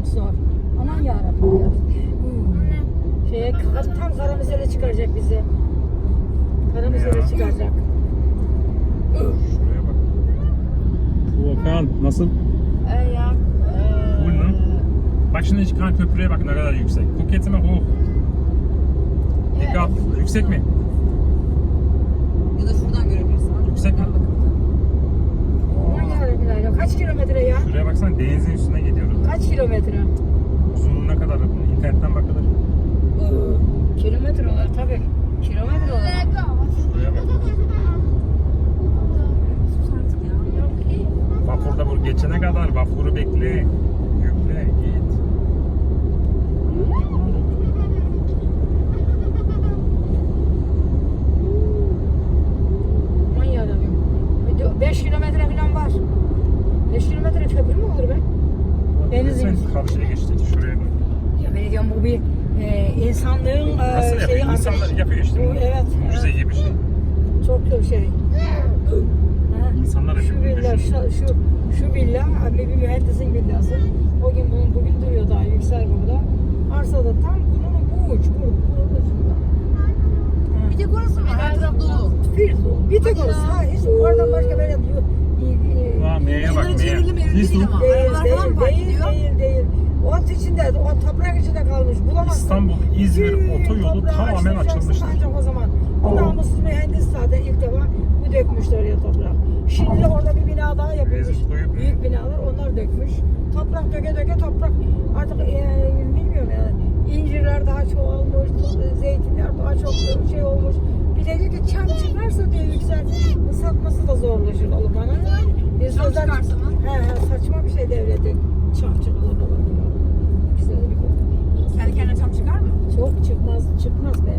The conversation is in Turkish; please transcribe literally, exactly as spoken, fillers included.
zor. Aman yarabbim ya. Şeye, tam Karamüsel'e çıkaracak bizi. Karamüsel'e çıkaracak. Şuraya bak. Volkan nasıl? Ee, ya. Ee, Cool mu? Bak şimdi çıkan köprüye bak ne kadar yüksek. Phuket'e bak oh. Dikkat. Yüksek mi? Ya da şuradan görebilirsin. Yüksek mi? Aman yarabbim ya. Kaç kilometre ya? Şuraya baksana denizin üstüne gidiyoruz. Kaç kilometre? Uzunluğuna kadar bunu internetten bakılır. Kilometre olur tabii. Kilometre olur. Şuraya bak. Vapurda bu geçene kadar vapuru bekle. Yükle git. Aman yarabbim. beş kilometre falan var. beş kilometre köprü mü olur be? Deniz Sen yok. karşıya geçtik şuraya bak. Ya ben diyorum bu bir e, insanlığın Nasıl e, şeyi yapıyor? artık. İnsanlar yapıyor işte. Bu, evet. Mucize evet. gibi bir şey. Çok çok şey. Ha, İnsanlar şu yapıyor. villa, Düşün. şu, şu, şu villa bir bir mühendisin villası. O gün bunun bugün duruyor daha yüksel burada. Arsada tam bunun bu uç, bu, bu ucunda. Bir tek orası var. Her taraf dolu. Bir dolu. Bir tek orası. Ha, hiç oradan başka böyle diyor. Aa, M'ye bak Kenarı çevrili M'ye. mevli değil ama. Değil, Arabalar falan değil, mı park değil, ediyor? değil, değil. O içinde, o toprak içinde kalmış. Bulamazsın. İstanbul, İzmir Bütün otoyolu toprağı tamamen açtıracaksın açılmıştır. Ancak o zaman. Bu namussuz mühendis zaten ilk defa bu dökmüştü oraya toprak. Şimdi orada bir bina daha yapılmış. Rezil koyup- Büyük binalar onlar dökmüş. Toprak döke döke toprak artık e, bilmiyorum yani. İncirler daha çoğalmış, zeytinler daha çok şey olmuş. Bir de diyor ki çam çıkarsa diyor yüksel, satması da zorlaşır olur bana. Biz Çam özel- çıkarsa mı? He he saçma bir şey devleti. Çam çıkılır olur. Güzel bir konu. Kendi kendine çam çıkar mı? Çok çıkmaz, çıkmaz be.